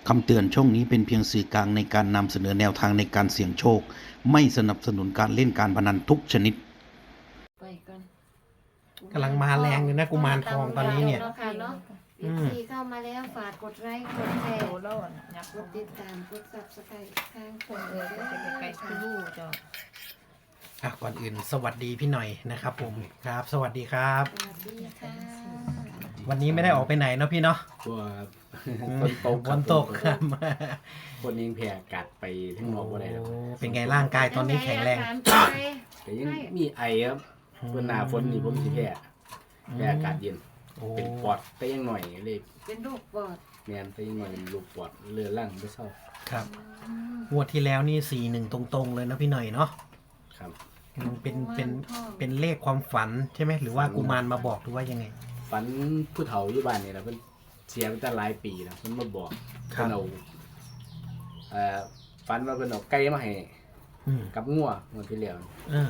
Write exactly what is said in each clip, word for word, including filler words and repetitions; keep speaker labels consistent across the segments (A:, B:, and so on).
A: คำเตือนช่องนี้เป็นเพียงสื่อกลางในการนำเสนอแนวทางในการเสี่ยงโชคไม่สนับสนุนการเล่นการพนันทุกชนิด
B: ไปกัน
C: กำลังมาแรงเลยนะกุมารทองตอนนี้เนี่ย
B: เนาะค่ะเนาะ
C: อื
B: เอฟ
C: ม
B: ซีเข้ามาแล้วฝากกดไลค์กดแชร์
D: โอ้แล้วอยาก
B: กดติดตามกดซับสไครต์ทางช่อง
D: เอ
B: เอ
D: อ
B: อ
D: ก็จะไปไกลคือลูกจ้ะ
C: อ่ะก่อนอื่นสวัสดีพี่หน่อยนะครับผมครับ สวัสดีครับ
B: สวัสดีค่ะ
C: วันนี้ไม่ได้ออกไปไหนเนาะพี่เนาะ
E: ตัว
C: อืม
E: คนตก
C: ฝนตกครับ
E: คนยิงแผ่กัดไปทั้งนอกว่าไรแล้ว
C: โอ้เป็นไงร่างกายตอนนี้แข็งแรง
B: อาการเป็นไง
E: แต่ยังมีไอครับคนหนาฝนนี่ผมสิแพ้แพ้อากาศเย็น
C: โอ้
E: เป็นปอดแต่ยังหน่อยเลย
B: เป็นโรคปอด
E: แมนแต่ยังหน่อยลูกปอดเลือดลั่งไม่เศร้า
C: ครับ
B: อืม
C: งวดที่แล้วนี่สี่หนึ่งตรงๆเลยนะพี่หน่อยเนาะ
E: ครับ
C: อืมเป็นเป็น
B: กุมารทอง
C: เป็นเลขความฝันใช่ไหมหรือว่ากุมารมาบอกหรือว่ายังไง
E: ฝันผู้เฒ่าอยู่บ้านนี่แหละเพิ่นเสียไปตั้งหลายปีแล้วเพิ่นมาบอก
C: ครับ
E: เพิ่นเอาเอ่อฝันว่าเพิ่นเอาไก่มาให้
C: อืม
E: กับงัวงวดที่แล้ว
C: เออ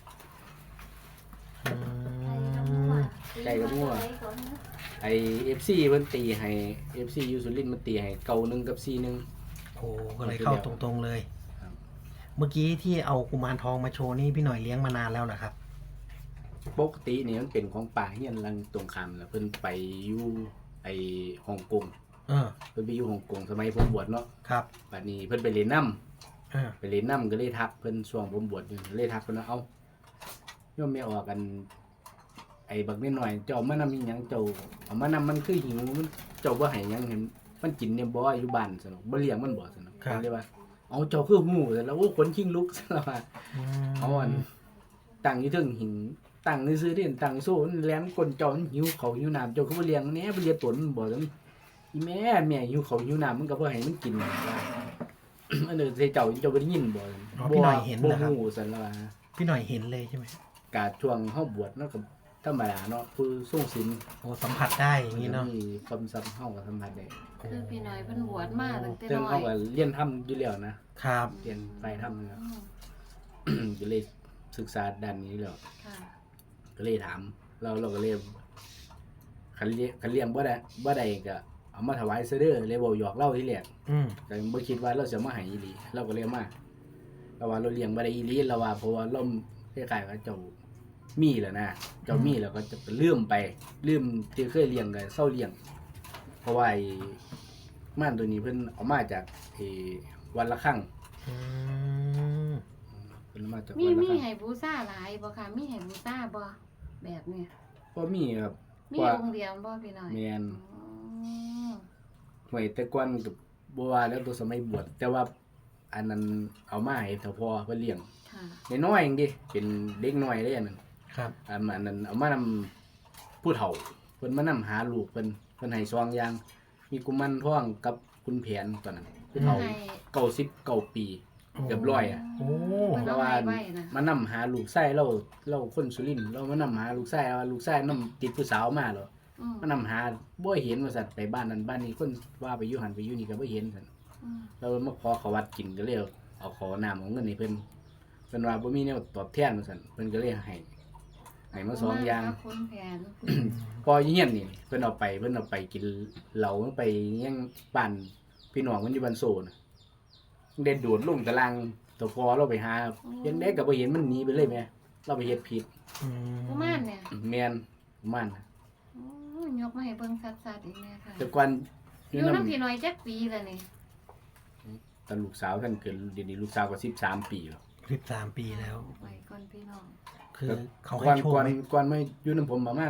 C: อืม
E: ไก่กับงัว ไอเอฟซีเพิ่นตีให้เอฟซียูสุรินทร์มันตีให้เก่าหนึ่งกับซีหนึ่ง
C: โอ้ก็เลยเข้าตรงๆเลย
E: ครับ
C: เมื่อกี้ที่เอากุมารทองมาโชว์นี่พี่หน่อยเลี้ยงมานานแล้วนะครับ
E: ปกตินี่มันเป็นของป่าเฮียนลังตรงคำแล้วเพิ่นไปอยู่ไอฮ่องกง
C: เออ
E: เพิ่นไปอยู่ฮ่องกงสมัยผมบวชเนาะ
C: ครับ
E: บัดนี้เพิ่นไปเรียนน้
C: เออ
E: ำไปเรียนน้ำก็เลยทักเพิ่นช่วงผมบวชอยู่เลยทักเพิ่นว่าเอ้าโยมไม่ออกกัน ไอ้บักนิดหน่อยเจ้าเอามานำอีหยังเจ้าเอามานำมันคือหิวมันเจ้าบ่ให้หยังเห็นมันกินเนี่ยบ่อยู่บ้านซั่นเนาะบ่เลี้ยงมันบ่ซั่นเนาะเพิ่นเลยว่าเอาเจ้าคือหูซั่นแล้วโอ้ขนชิงลุกซั่นแล้วว่า
C: ม
E: เอาอันตั้งอยู่เทึงหิงตั้งซื่อๆเด่นตั้งโซ่มันแหลมก้นเจ้ามันหิวเขาวหิวน้ำเจ้าคือบ่เลี้ยงแหน่บ่เลี้ยงตนมันบ่ซั่นอีแม่แม่หิวเขาวหิวน้ำมันก็บ่ให้มันกินว่า อันเด้อใส่เจ้าเจ้าบ่ได้ยินบ่ซั่น
C: อ๋อพี่หน่อยเห็น
E: บ่
C: นะครับ
E: ฮู้ซั่นแล้วว่า
C: พี่หน่อยเห็นเลยใช่ไหม
E: กาช่วงเฮาบวชเนาะก็ธรรมดาเนาะผู้ทรงศีล
C: โอ้สัมผัสได้อย่างนี้เนาะ
E: มีความสัมเฮากับสัมผัสได้
B: คือพี่หน่อยเพิ่นบวชมาตั้งแต่
E: เรื่อง
B: น้อ
E: เฮาย ก็เรียนทำอยู่แล้วนะครับ เรียนฝ่ายทำนะครับ
B: อืม
E: ก็เลยศึกษาด้านนี้แล้ว
B: ค่ะ
E: ก็เลยถามเราเราก็เลยคันเลี้ยงคันเลี้ยงบ่ได้บ่ได้ก็เอามาถวายซะเด้อเลยบ่หยอกเล่าที่แรก
C: อืม
E: ก็บ่คิดว่าเราจะมาให้อีหลีเราก็เลยมาเราว่าเราเลี้ยงบ่ได้อีหลีเราว่าเพราะว่าเราคล้ายๆว่าเจ้ามีแล้วนะเจ้ามีแล้วก็จะลืมไปลืมที่เคยเลี้ยงก็เซาเลี้ยง เพราะว่าไอ้ม่านตัวนี้เพิ่นเอามาจากไอ้วันละครั้ง
C: อืม
E: เพิ่นเอามาจาก
B: มี
E: วันละ
B: มี
E: ครั้ง
B: ให้บูชาหลายบ่ค่ะมีให้บูชาบ่แบบเนี้ย
E: บ่มีครับ
B: มี
E: ว่า
B: องค์เดียวบ่พี่หน่อย
E: แม่น
B: อ๋อ
E: หวยแต่ก่อนก็บ่ว่าแล้วตัวสมัยบวชแต่ว่าอันนั้นเอามาให้เฒ่าพ่อเพิ่นเลี้ยง
B: ค่ะ
E: น้อยๆเองดิเป็นเด็กน้อยเลยอันนั้น
C: ครับ
E: อันอันนั้นเอามานำผู้เฒ่าเพิ่นมานำหาลูกเพิ่นเพิ่นให้ซองอย่าง มีกุมารทองกับคุณแผนตอนนั้นผู้เฒ่า
B: ให้
E: เก้าสิบเก้าปีเกือบร้อยอ่ะ
C: โอ้
B: เพิ่น
E: เพ
B: เอา
E: ราะว่า
B: ให้ไว้นะ
E: มานำหาลูกไส้เราเราคนสุรินทร์เรามานำหาลูกไส้ว่าลูกไส้นำติดผู้สาวมาเหรอ
B: อืม
E: มานำหาบ่เห็นว่าสัตว์ไปบ้านนั้นบ้านนี้คนว่าไปอยู่หันไปอยู่นี่ก็บ่เห็นซั่น
B: อืม
E: เรามาขอเขาวัดกินก็เลยเอาขอน้ำเอาเงินให้เพิ่นเพิ่นว่าบ่มีแนวตอบแทนว่าซั่นเพิ่นก็เลยให้ให้มาสองอย่าง
B: ขบคุณแผน
E: พอเฮียนนี่เพิ่นเอาไปเพิ่นเอาไปกินเหล้าไปยังบ้านพี่น้องมันอยู่บ้านโซน่ะเด็ดโดดลงตารางตัวพอเราไปหาเห็นได้ก็บ่เห็นมันหนีไปเลยแม่เราไปเฮ็ดผิด
C: อืม
B: กุมารเนี่ย
E: แม่นประมัน
B: โอ้ยยกมาให้เบิ่งชัดๆอีกแม่ค่ะ
E: แต่ก่อน
B: อ
E: อยู่
B: ยู่
E: นำ
B: นำพี่น้อยจักปีแล้วนี่
E: ตอนลูกสาวท่านเกิดเดี๋ยวนี้ลูกสาวก็สิบสามปีแล้ว
C: สิบสามปีแล้ว
B: ไว้ก่อนพี่น้อง
C: คือเขา
E: ก่
C: ให้
E: อน
C: โชค
E: ก่อน
C: ไหม
E: ก่อนมาอยู่นำผมประมาณ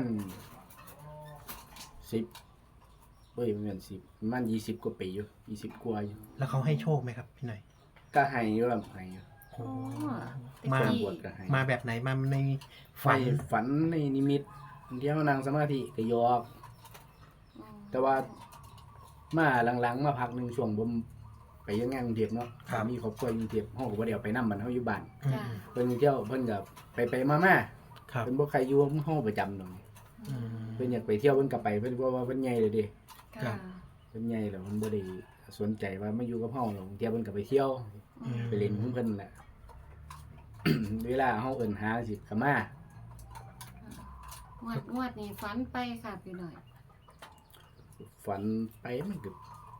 E: สิบเอ้ยบ่แม่นสิบประมาณยี่สิบกว่าปีอยู่ยี่สิบกว่าอยู่
C: แล้วเขาให้โชคไหมครับพี่หน่อย
E: ก็ให้อยู่ครับให้อยู่
C: โอ้
B: อ๋อ
C: มา
E: คนบวชก็ให้
C: มาแบบไหนมาใน
E: ไฟ
C: ฝัน
E: ฝันในนิมิตเที่ยวนั่งสมาธิก็ยอก
B: อืม
E: แต่ว่ามาหลังๆมาพักหนึงช่วงผมไปยังงานกรุงเทพเนาะมีครอบครัวอยู่กรุงเทพเฮาก็บ่ได้เอาไปนำบัดเฮาอยู่บ้าน
C: อืม
B: จ้ะ
E: เพิ่นเที่ยวเพิ่นก็ไปไปมามา
C: ครับ
E: เพิ่นบ่ใครอยู่เฮาประจำดอก
C: อืม
E: เพิ่นอยากไปเที่ยวเพิ่นก็ไปเพิ่นว่าว่าเพิ่นใหญ่เลยเดิ
C: ครั
B: ค่ะ
C: บ
E: เพิ่นใหญ่แล้วเพิ่นบ่ได้สนใจว่ามาอยู่กับเฮาหรอกเที่ยวเพิ่นก็ไปเที่ยว
B: อืม
E: ไปเล่นของเพิ่นแหละ เวลาเฮาเอิ้นหาสิก็มา
B: งวดงวดนี้ฝันไปค่ะพี่น้อย
E: ฝันไปมันก็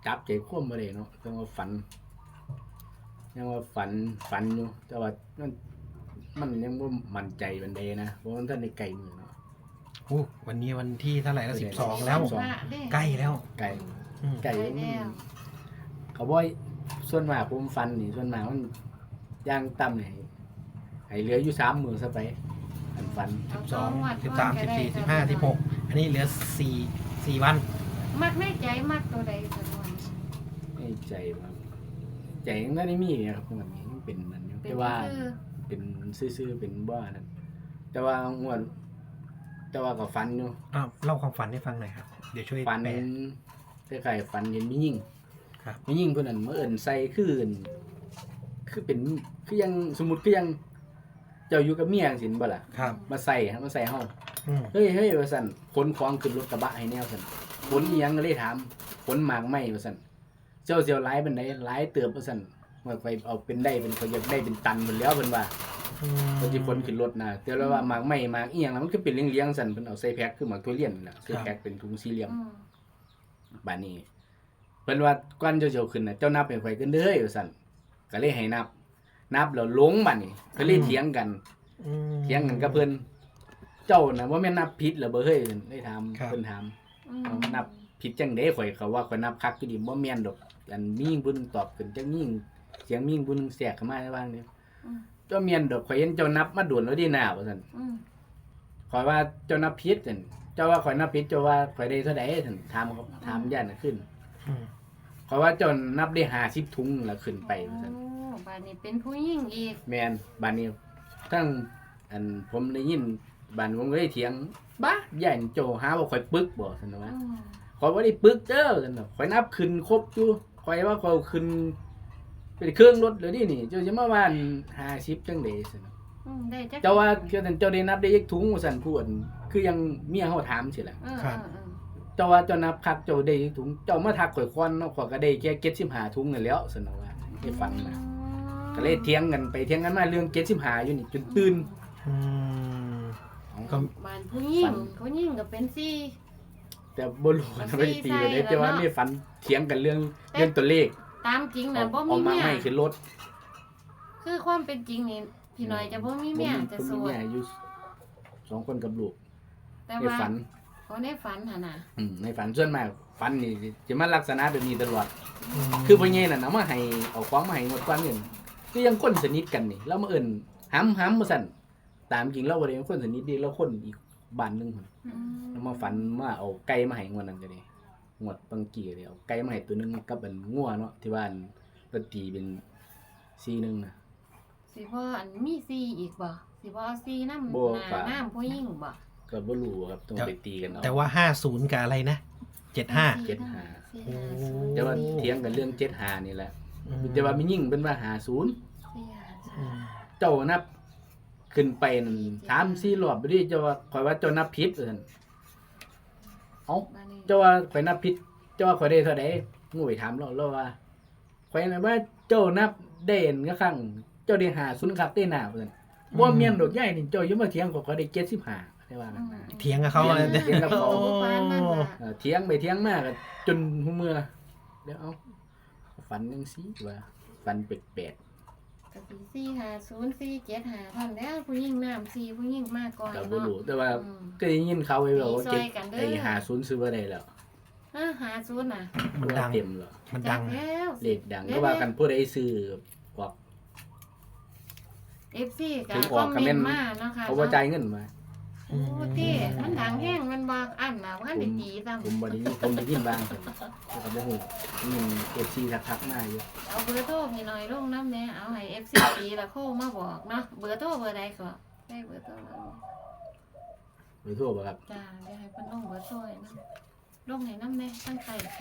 E: จับใจควบบ่ได้เนาะต้องว่าฝันยังว่าฝันฝันอยู่แต่ว่ามันมันยังบ่มั่นใจปานใดนะเพราะมันท่านได้ไกลมือเนาะ
C: โอ้วันนี้วันที่เท่าไหร่แล้วสิบสองแล้ว
E: สิบสอง
C: ใกล้แล้ว
E: ไกล
C: อืม
E: ไกล
B: ได้
E: มัน
B: แล้ว
E: เขาบ่อยส่วนมากผมฝันนี่ส่วนมากมันย่างต่ำนี่ให้เหลืออยู่สามมื้อซะไปอันฝัน
C: สิบสองสิบสามสิบสี่สิบห้าสิบหกอันนี้เหลือสี่สี่วัน
B: มักในใจมักตัวใดสนวน
E: ให้ใจว่าใจยังได้มีเนี่ยครับมันนี้มันเป็นมันอยู่
B: เป็น
E: แต่ว่า
B: คือ
E: เป็นซื่อๆเป็นบ้านั่นแต่ว่างวดแต่ว่าก็ฝันอยู่
C: อ้าวเล่าความฝันให้ฟังหน่อยครับเดี๋ยวช่วย
E: ฝัน
C: แปล
E: คล้ายๆฝันเห็นมียิ่ง
C: ครับ
E: มียิ่งเพิ่นนั่นมาเอิ้นใส่คือเอิ้นคือเป็นคือยังสมมุติคือยังเจ้าอยู่กับเมียจังซี่บ่ล่ะ
C: ครับ
E: มาใส่ฮะมาใส่เฮา
C: อืม
E: เฮ้ยเฮ้ยว่าซั่นขนของขึ้นรถกระบะให้แนวซั่นขนอีหยังก็เลยถามขนหมากไม้ว่าซั่นเจ้าสิเอาหลายปานใดหลายเติบว่าซั่นว่าไปเอาเป็นได้เป็นเขาอยากได้เป็นตันเพิ่นแล้วเพิ่นว่า
C: อืม
E: เพิ่นสิขนขึ้นรถน่ะแต่แล้วว่าหมากไม้หมากอีหยังน่ะมันก็เป็นเลี้ยงๆซั่นเพิ่นเอาใส่แพ็คคือหมากทุเรียนนั่นน่ะใส่แพ็คเป็นถุงสี่เหลี่ยม
B: อืม
E: บัดนี้เพิ่นว่าก่อนเจ้าเจ้าขึ้นน่ะเจ้านับให้ข่อยกันเด้อว่าซั่นก็เลยให้นับ นับแล้วหลงบัดนี้ก็เลยเถียงกัน
C: อืม
E: เถียงกันกับเพิ่นเจ้าน่ะบ่แม่นนับผิดเหรอบ่เฮ้ยได้ถาม
C: ครับ
E: เพิ่นถาม
B: อืม
E: เอานับผิดจังได๋ข่อยเขาว่าข่อยนับคักอยู่ดิบ่แม่นดอกอันมียิ่งผู้หนึงตอบขึ้นจังยิ่งเสียงมียิ่งผู้หนึงแทรกเข้ามาในบ้างนี่
B: อืม
E: เจ้าแม่นดอกข่อยเห็นเจ้านับมาโดนแล้วดีหน้าว่าซั่น
B: อืม
E: ข่อยว่าเจ้านับผิดซั่นเจ้าว่าข่อยนับผิดเจ้าว่าข่อยได้เท่าใดซั่นถามเขาถามย่านน่ะขึ้น
C: อืม
E: เพราะว่าเจนนับได้ห้าสิบถุงแล้วขึ้นไปว่าซั่น
B: โอ้บานนี้เป็นผู้หญิงอีก
E: แม่นบ้านนี้ทั้งอันผมได้ยินบ้านผมก็ได้เถียงบ้าใหญ่าโจหาว่าข่อยปึกบ่ซั่นว่า
B: อืม
E: ข่อยบ่ได้ปึกเด้อซั่นน่ะข่อยนับขึ้นครบอยู่ข่อยว่าข่อยขึ้นเป็นเครื่องรถเลยดินี่เจ้าจะมาว่าห้าสิบจังได๋ซั่นน่ะ
B: อืมได้จัก
E: เจ้าว่าเจ้าเจ้าได้นับได้ยักถุงว่าซั่นพูดคือยังเมียเฮาถามสิล่ะ
B: เออ
C: ครับ
B: เออเออ
E: เจ้าว่าเจ้านับคักเจ้าได้ยักถุงเจ้ามาทักข่อยควันเนาะข่อยก็ได้แค่เจ็ดสิบห้าถุงนั่นแหล้วซั่นน่ะว่าให้ฟังนะ ก็เลยเถียงกันไปเถียงกันมาเรื่องเจ็ดสิบห้าอยู่นี่จนตื่น
C: อืมก็
B: บ้านผู้หญิงผู้หญิงก็เป็นสี่
E: แต่บ่รู้ว่าไม่ได้ตีกันเลยแต่ว่าไม่ฝันเถียงกันเรื่องเรื่องตัวเลข
B: ตามจริง
E: เอา
B: นะบ่
E: เอา
B: มี
E: มา
B: เมีย
E: ไม่ขึ้นรถ
B: คือความเป็นจริงนี่พี่น้อยจะบ่มีเมียจะ
E: ผม
B: โส
E: มี
B: ด
E: เมียอยู่สองคนกับลูก
B: แต่
E: ใน
B: ว่า
E: ฝัน
B: เขาในฝันหั่นน่ะ
E: อืมในฝันส่วนมากฝันนี่จะมาลักษณะแบบนี้ตลอด
C: ม
E: คือพ่อใหญ่น่ะเอามาให้เอาของมาให้หมดก่อนเงินคือยังคนสนิทกันนี่แล้วมาเอิ้นหำหำมาสั่นตามจริงเราบ่ได้เป็นคนสนิทดีเราคนอีกบ้านหนึงพุ่น
B: อืม
E: แล้วมาฝันว่าเอาไก่มาให้งวดนั้นก็ได้งวดบางกี้ก็ได้เอาไก่มาให้ตัวหนึงกับอันงัวเนาะที่บ้านก็ตีเป็นสี่หนึงน่ะ
B: สิบ่อันมีสี่อีกบ่สิบ่เอาสี่นำ
E: บ่
B: หน้า
E: ฝา
B: น้ำผู้หญิงบ่
E: ก็บ่รู้ครับต้องไปตีกันเอา
C: แต่ว่าห้าศูนย์กับอะไรนะเจ็ดห้า
E: เจ็ดห้า
B: สี่
C: โอ้
B: ห้าศูนย์
E: แต่ว่าเถียงกันเรื่องเจ็ดห้านี่แหละแต่ว่ามียิ่งเป็นว่าห้าศูนย์
B: สี่ห้าศู
C: อื
B: นย์
C: ม
E: เจ้านับขึ้นไปนั่นสามสี่รอบบ่ดิเจ้าว่าข่อยว่าเจ้านับผิดว่าซั่นเอ้า
B: บ้านนี้
E: เจ้าว่าข่อยนับผิดเจ้าว่าข่อยได้เท่าใดงูไปถามเราเราว่าข่อยน่ะว่าเจ้านับได้อันก็ครั้งเจ้าได้ห้าศูนย์ครับได้หน้าว่าซั่นบ่แม่นดอกใหญ่นี่เจ้าอย่ามาเถียงข่อยข่อยได้เจ็ดสิบห้าได้ว่า
B: อื
E: กัน
B: ม
E: นะ
C: เถียงกับเขาเลย
E: เถียงกับเขา
C: โอ้
B: บ่ปานนั้นล่ะ
E: เอ่อเถียงไปเถียงมาก็จนหัวเมื่อเดี๋ยวเอาฝันจังซี่ว่าฝันแปลก
B: ก็สิสี่ห้าศูนย์สี่เจ็ดห้าเท่านั้นแล้วผู้หญิงน้ำสี่ผู้หญิงมาก่อน
E: ๆก็บ่
B: เนาะ
E: รู้แต่ว่า
B: อืม
E: ก็ได้ยินเขาไว้ว่า
B: ตีซ
E: เจ็
B: อ
E: ด
B: ยกันเด้อ
E: ไอ้ห้าศูนย์ซื้อบ่ได้แล้ว
B: ฮะหาศูนย์น่ะ
C: มันดัง
E: เต็มแล้ว
C: มัน
B: จั
C: ดั
B: ก
C: ง
B: แล้ว
E: เลขดังก็ว่ากันผู้ใดซื้อออก
B: เอฟซีก็
E: ถึง
B: ค
E: อ
B: อ
E: อก
B: ม
E: ก็
B: เม
E: แม่
B: น
E: น
B: ต์มาเนาะค่ะ
E: เขาบ่จ่ายเงินมา
B: โอ้ติมันดังแห้งมันบ่อันน่ะว่าได้ตีซ้ำ
E: ผมบ่ได้ยินผมได้ยินบ้างแต่ก็บ่ฮู้มี เอฟ ซี ทักๆมาอยู่
B: เอาเบอร์โทรพี่หน่อยลงน้ำแหน่เอาให้ เอฟ ซี ตีแล้วโทรมาบอกเนาะเบอร์โทรเบอร์ใดก็ได้เบอร์โทรแล้ว
E: หรือโทรบ่ครับ
B: จ้าเดี๋ยวให้เพิ่นลงเบอร์โทรให้นำลงให้นำแหน่ตั้งใจสิ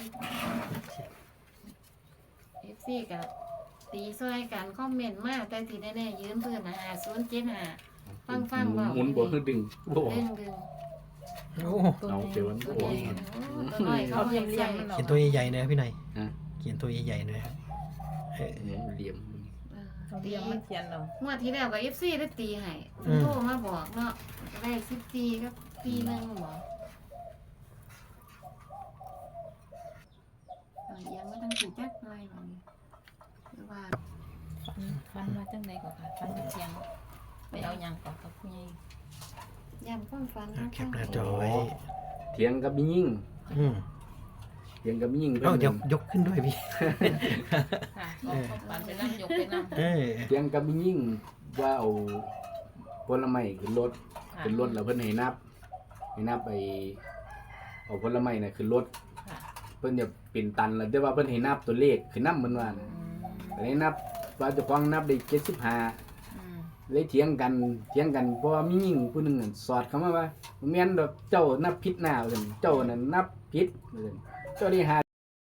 B: เอฟ ซี ก็ตีซอยกันคอมเมนต์มาแต่ที่แน่ๆยืนพื้นน่ะห้าศูนย์เจ็ดห้า ฟังฟัง
E: หมุน
B: เว้า
E: หมุนบ่คือดึงบ่ออก
B: ดึงดึง
C: โอ้
E: เอาเดี๋ยวมัน
B: ตัว
E: บ่อ
B: ให
E: อ
B: ญ่
E: ก
B: โอ้ตัวน้อยเขา
D: เอา
B: เรี
D: เรี
B: ย
D: ย
B: น
D: ม
B: ให
D: เรี
B: ญ่
D: ยมมันออก
C: เขียนตัวใหญ่ๆหน่อยพี่หน่อย
E: ฮะ
C: เขียนตัวใหญ่ๆหน่อยครับเออ
E: เหลี่ยม
D: เอาเรียมมันเขียนเอา
B: งวดที่แล้วกับ เอฟ ซี ได้ตีให้
C: อืม
B: โทรมาบอกเนาะได้สิบตีก็ตีหนึงบอกเอาเอียงมาสิจักหน่อยหน่อยหรือว่า
D: ฟันฟันมาจังไดก่อนค่ะฟันมาเทียงไปเอาหยังก่อนกับผู้ใหญ่
B: ย้ำความฝัน
C: อ่ะแคปหน้าจอไว้
E: เถียงกับมียิ่ง
C: อืม
E: เถียงกับมียิ่ง
C: เอ้า
E: เพิ่น
C: เดี๋ยกยกขึ้นด้วยพี่
D: ค่ะก็ฟันไปนั่งยกไปนั่ง
C: เออ
E: เถียงกับมียิ่งว่าเอาผลไม้ขึ้นรถ
D: ค่ะ
E: ขึ้นรถแล้วเพิ่นให้นับให้นับไปเอาผลไม้น่ะขึ้นรถ
D: ค่ะ
E: เพิ่นจะเป็นตันแล้วแต่ว่าเพิ่นให้นับตัวเลขขึ้นนำมันว่า
D: อื
E: นะ
D: ม
E: ก็เลยนับว่าเจ้าของนับได้เจ็ดสิบห้า
D: อืม
E: เลยเถียงกันเถียงกันเพราะว่ามีหญิงผู้หนึงนั่นสอดเข้ามาว่าบ่แม่นดอกเจ้านับผิดหน้าว่าซั่นเจ้านั่นนับผิดว่าซั่นเจ้าได้ห้า